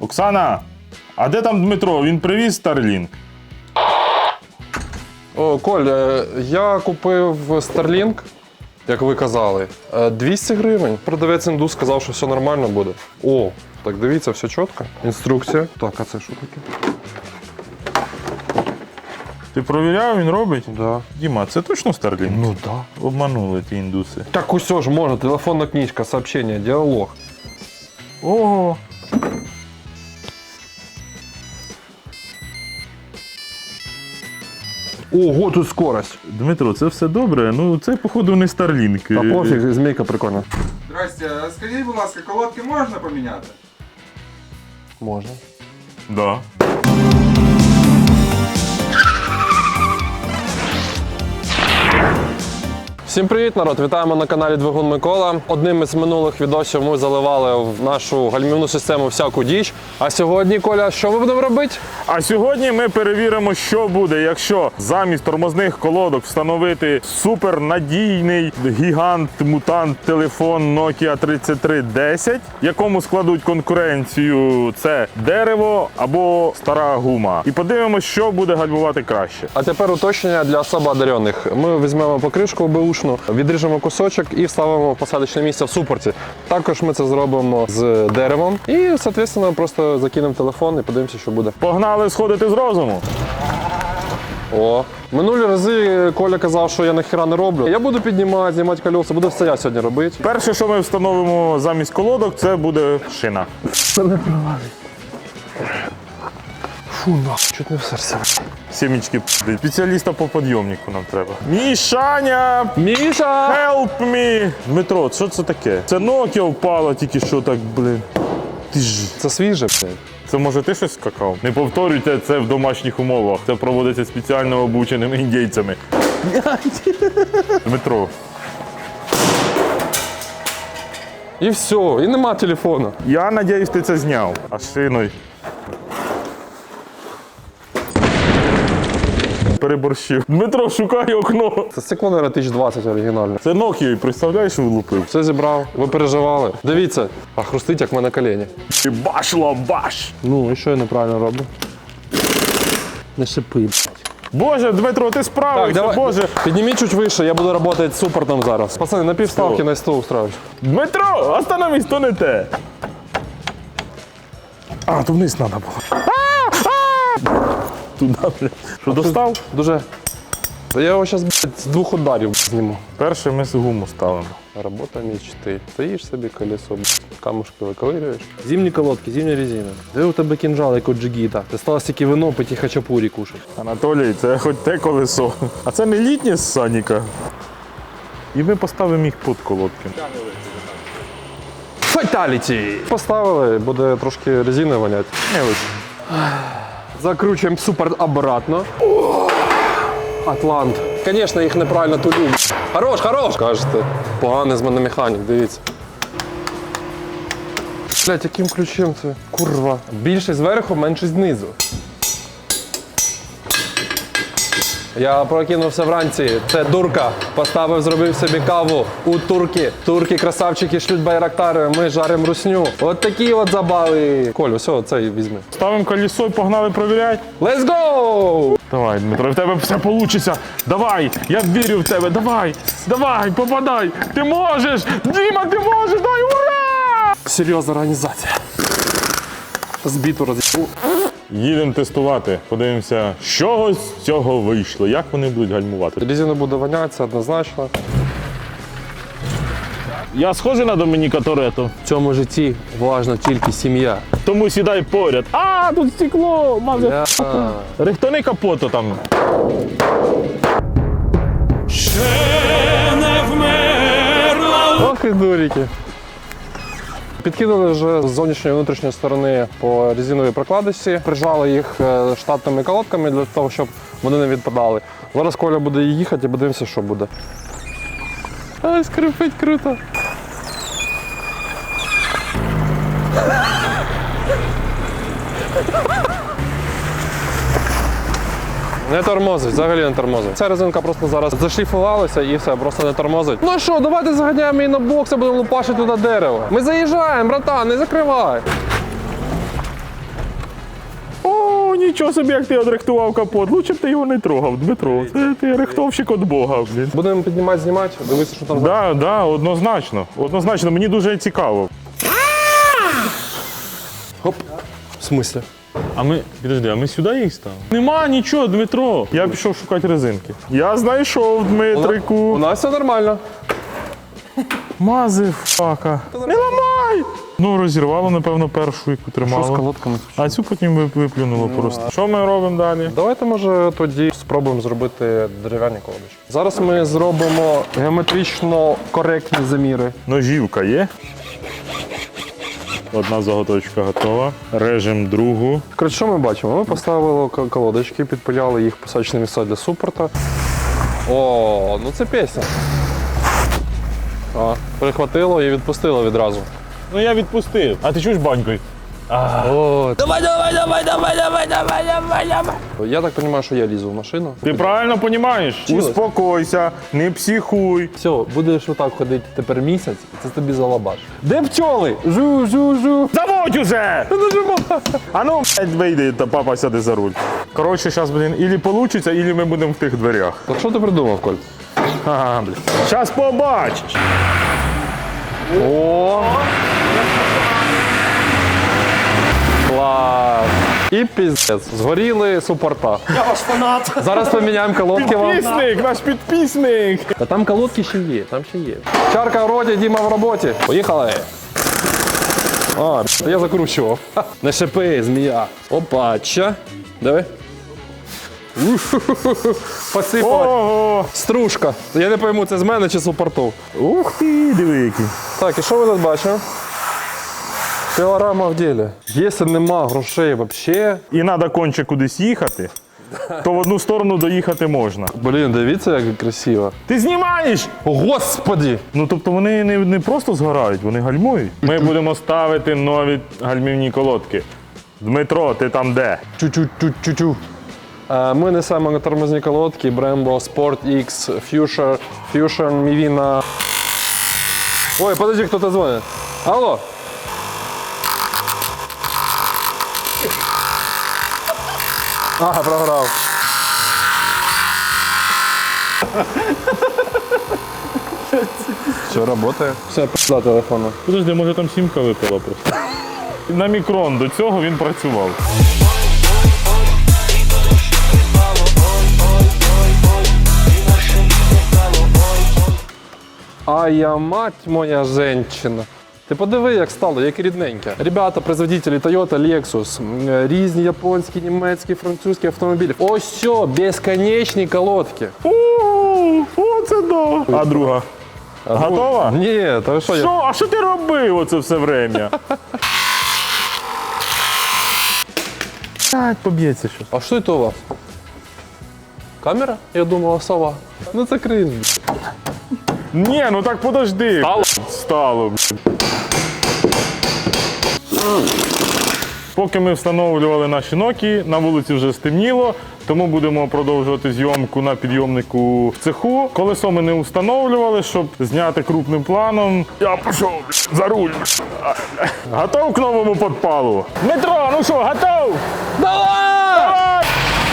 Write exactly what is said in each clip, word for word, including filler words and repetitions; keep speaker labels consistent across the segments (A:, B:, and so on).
A: Оксана, а де там Дмитро? Він привіз Starlink?
B: О, Коль, е, я купив Starlink, як ви казали, е, двісті гривень. Продавець індус сказав, що все нормально буде. О, так дивіться, все чітко. Інструкція. Так, а це що таке?
A: Ти провіряв, він робить?
B: Да.
A: Діма, це точно Starlink?
B: Ну да.
A: Обманули ті індуси.
B: Так усе ж можна, телефонна книжка, сообщення, діалог.
A: Ого.
B: Ого, тут скорость.
A: Дмитро, це все добре, ну це, походу, не Starlink.
B: Та пофіг, змійка прикольна.
C: Здрасте, а скажіть, будь ласка, колодки можна поміняти?
B: Можна.
A: Да.
B: Всім привіт, народ! Вітаємо на каналі Двигун Микола. Одним із минулих відосів ми заливали в нашу гальмівну систему всяку діч. А сьогодні, Коля, що ми будемо робити?
A: А сьогодні ми перевіримо, що буде, якщо замість тормозних колодок встановити супернадійний гігант-мутант телефон Nokia тридцять три десять, якому складуть конкуренцію це дерево або стара гума. І подивимося, що буде гальмувати краще.
B: А тепер уточнення для особо одарених. Ми візьмемо покришку беушну, відріжемо кусочок і вставимо в посадочне місце в супорті. Також ми це зробимо з деревом і, соответственно, просто закинемо телефон і подивимося, що буде.
A: Погнали сходити з розуму.
B: О, минулі рази Коля казав, що я нахіра не роблю. Я буду піднімати, знімати колеса, буду все я сьогодні робити.
A: Перше, що ми встановимо замість колодок, це буде шина.
B: Фу, нахуй, чуть не в серце.
A: Сімічки, спеціаліста по підйомнику нам треба. Мішаня!
B: Міша!
A: Help me! Дмитро, що це таке? Це Nokia впала тільки що так, блин. Ти ж.
B: Це свіже, блядь.
A: Це може ти щось скакав? Не повторюйте це в домашніх умовах. Це проводиться спеціально обученими індійцями. Дмитро.
B: І все, і нема телефону.
A: Я надіюсь, ти це зняв. А шиною. Переборщив. Дмитро, шукай окно.
B: Це стекло, наверное, тисяч двадцять оригінальне.
A: Це Nokia, представляєш, влупив.
B: Все зібрав, ви переживали. Дивіться, а хрустить, як в мене коліні.
A: І башло, баш!
B: Ну, і що я неправильно роблю? Не шипи, блядь.
A: Боже, Дмитро, ти справився, Боже.
B: Підніміть чуть вище, я буду працювати з супортом зараз. Пацани, на півставки
A: Що?
B: на сто устраюсь.
A: Дмитро, остановись, то не те. А, то вниз треба було. Туди, блядь. Що, достав?
B: Дуже. Та я його зараз, блядь, з двох ударів зніму.
A: Перше ми з гуму ставимо.
B: Робота мечти. Стоїш собі колесо, блядь, камушки виковирюєш. Зимні колодки, зимня резина. Де у тебе кінжал, як у джигіта? Ти стала стільки вино пити і хачапурі кушати.
A: Анатолій, це хоч те колесо. А це не літнє з Саніка. І ми поставимо їх під колодки.
B: Фаталіті! Поставили, буде трошки резини воняти.
A: Не ось.
B: Закручуємо супорт обратно. Атлант. Звісно, їх неправильно тулю. Хорош, хорош! Кажете, поганий з мене механік, дивіться. Блять, яким ключем це? Курва. Більше зверху, менше знизу. Я прокинувся вранці, це дурка. Поставив, зробив собі каву у турки. Турки, красавчики, шлють байрактари, ми жаримо русню. От такі от забави. Коль, все, цей візьми.
A: Ставимо колесо і погнали провіряти.
B: Let's go!
A: Давай, Дмитро, в тебе все вийде. Давай, я вірю в тебе, давай, давай, попадай. Ти можеш, Діма, ти можеш, дай, ура!
B: Серйозна організація. Збіту роз'їбу.
A: Їдемо тестувати, подивимося, що з цього вийшло, як вони будуть гальмувати.
B: Резина буде воняти, це однозначно.
A: Я схожий на Домініка Торетто,
B: В цьому житті важна тільки сім'я.
A: тому сідай поряд. А, тут стекло, мазе.
B: Я...
A: Рихтони капоту там.
B: Ох і дурики. Підкинули вже з зовнішньої і внутрішньої сторони по резиновій прокладці, прижали їх е, штатними колодками для того, щоб вони не відпадали. Зараз Коля буде їхати і подивимося, що буде. Ай, скрипить круто. Не тормозить, взагалі не тормозить. Ця резинка просто зараз зашліфувалася і все, просто не тормозить. Ну що, давайте заганяємо її на бокс і будемо лупашити туди дерево. Ми заїжджаємо, братан, не закривай.
A: нічого собі, як ти одрихтував капот. Лучше б ти його не трогав, Дмитро. Це ти рихтовщик від Бога, блін.
B: Будемо піднімати, знімати, дивитися, що там за.
A: Да, да, однозначно. Однозначно, мені дуже цікаво.
B: Хоп. В смислі?
A: А ми, підожди, а ми сюди їх ставимо? Нема нічого, Дмитро. Я пішов шукати резинки. Я знайшов, Дмитрику.
B: У нас все нормально.
A: Мази, фака. Не ламай! Ну, розірвало, напевно, першу, яку тримало.
B: колодками?
A: А цю потім ви- виплюнуло просто. Що ми робимо далі?
B: Давайте, може, тоді спробуємо зробити дерев'яні колодочки. Зараз ми зробимо геометрично коректні заміри.
A: Ножівка є. Одна заготовочка готова. Режемо другу.
B: Коротше, що ми бачимо? Ми поставили к- колодочки, підпиляли їх посадочне місце для супорта. О, ну це пісня. А, перехватило і відпустило відразу.
A: Ну я відпустив. А ти чуєш банькою?
B: О, давай, давай, давай, давай, давай, давай, давай, давай. Я так розумію, що я лізу в машину.
A: Ти правильно розумієш?
B: Чилось.
A: Успокойся, не психуй.
B: Все, будеш отак ходити тепер місяць, і це тобі залабаш. Де пчоли? Жу, жу, жу.
A: Заводь уже! А ну, блядь, вийди, та папа сяде за руль. Коротше, зараз, блін, ілі получиться, ілі ми будемо в тих дверях.
B: Так що ти придумав, Коль?
A: Ага, блін. Зараз побачиш.
B: О! Клас! І піздець. Згоріли супорта.
D: Я ваш фанат.
B: Зараз поміняємо колодки вам.
A: Підписник, наш підписник.
B: Та там колодки ще є, там ще є. Чарка в роті, Діма в роботі. Поїхали. А, б**, я закручував. Ха, не шипи, змія. Опача. Диви. Посипала.
A: Ого.
B: Стружка. Я не пойму, це з мене чи з супорту.
A: Ух ти, диви який.
B: Так, і що ви тут бачите? Пілорама в ділі. Якщо нема грошей взагалі.
A: І треба конче кудись їхати, то в одну сторону доїхати можна.
B: Блін, дивіться, як красиво.
A: Ти знімаєш?
B: Господи!
A: Ну, тобто вони не, не просто згорають, вони гальмують. Ми будемо ставити нові гальмівні колодки. Дмитро, ти там де?
B: Чу-чу-чу-чу-чу. Е, Ми несемо тормозні колодки Brembo Sport X Fusion, Fusion Mivina. Ой, подожди, хто-то дзвонить. Алло? Ага, програв. Все, працює. Все, пішла телефону.
A: Подожди, може там сімка випала просто. На мікрон до цього він працював.
B: А я мать моя женщина. Ти подиви, як стало, як рідненьке. Ребята, производителі Toyota, Lexus, м, різні японські, німецькі, французькі автомобілі. Ось все, безконечні колодки.
A: О, оце да. А друга? Готова?
B: Ні, та ви що? я-
A: Що? А що ти робив оце все время? Так, поб'ється щось.
B: А що це у вас? Камера? Я думала, сова. Ну це крінж.
A: Ні, ну так подожди.
B: Стало?
A: Стало. Поки ми встановлювали наші Nokia, на вулиці вже стемніло, тому будемо продовжувати зйомку на підйомнику в цеху. Колесо ми не встановлювали, щоб зняти крупним планом. Я пішов за руль. Готов к новому підпалу? Дмитро, ну що, готов?
B: Давай!
A: Давай!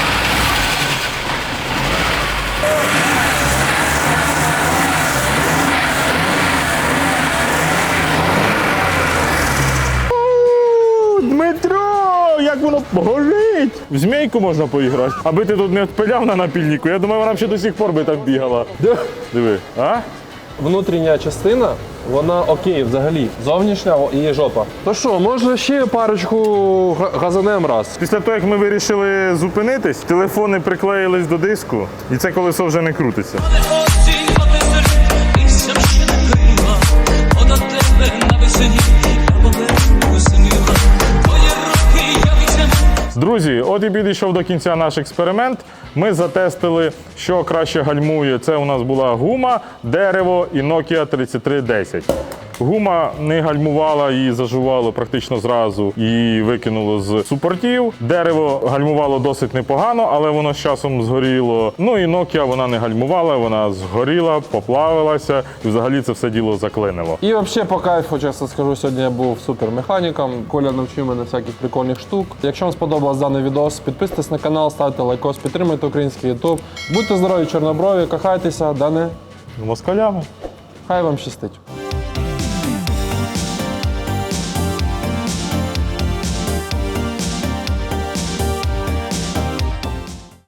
A: У, Дмитро, як воно горить! В змійку можна поіграти. Аби ти тут не відпиляв на напільнику, я думаю, вона б ще до сих пор би там бігала. Диви, а?
B: Внутрішня частина, вона окей взагалі. Зовнішня її жопа. То що, може ще парочку га- газанем раз?
A: Після того, як ми вирішили зупинитись, телефони приклеїлись до диску, і це колесо вже не крутиться.
E: Осінь потисерить, лісям ще не крила, От тебе на весені, я поверну зимила. Твої руки я візьму.
A: Друзі, от і підійшов до кінця наш експеримент. Ми затестили, що краще гальмує. Це у нас була гума, дерево і Nokia тридцять три десять. Гума не гальмувала, її зажувало практично зразу і викинуло з супортів. Дерево гальмувало досить непогано, але воно з часом згоріло. Ну і Nokia вона не гальмувала, вона згоріла, поплавилася і взагалі це все діло заклинило.
B: І взагалі по кайфу, чесно скажу, сьогодні я був супермеханіком. Коля навчив мене всяких прикольних штук. Якщо вам сподобався даний відос, підписуйтесь на канал, ставте лайкос, підтримуйте український ютуб. Будьте здорові, чорноброві, кохайтеся, да не?
A: З москалями.
B: Хай вам щастить.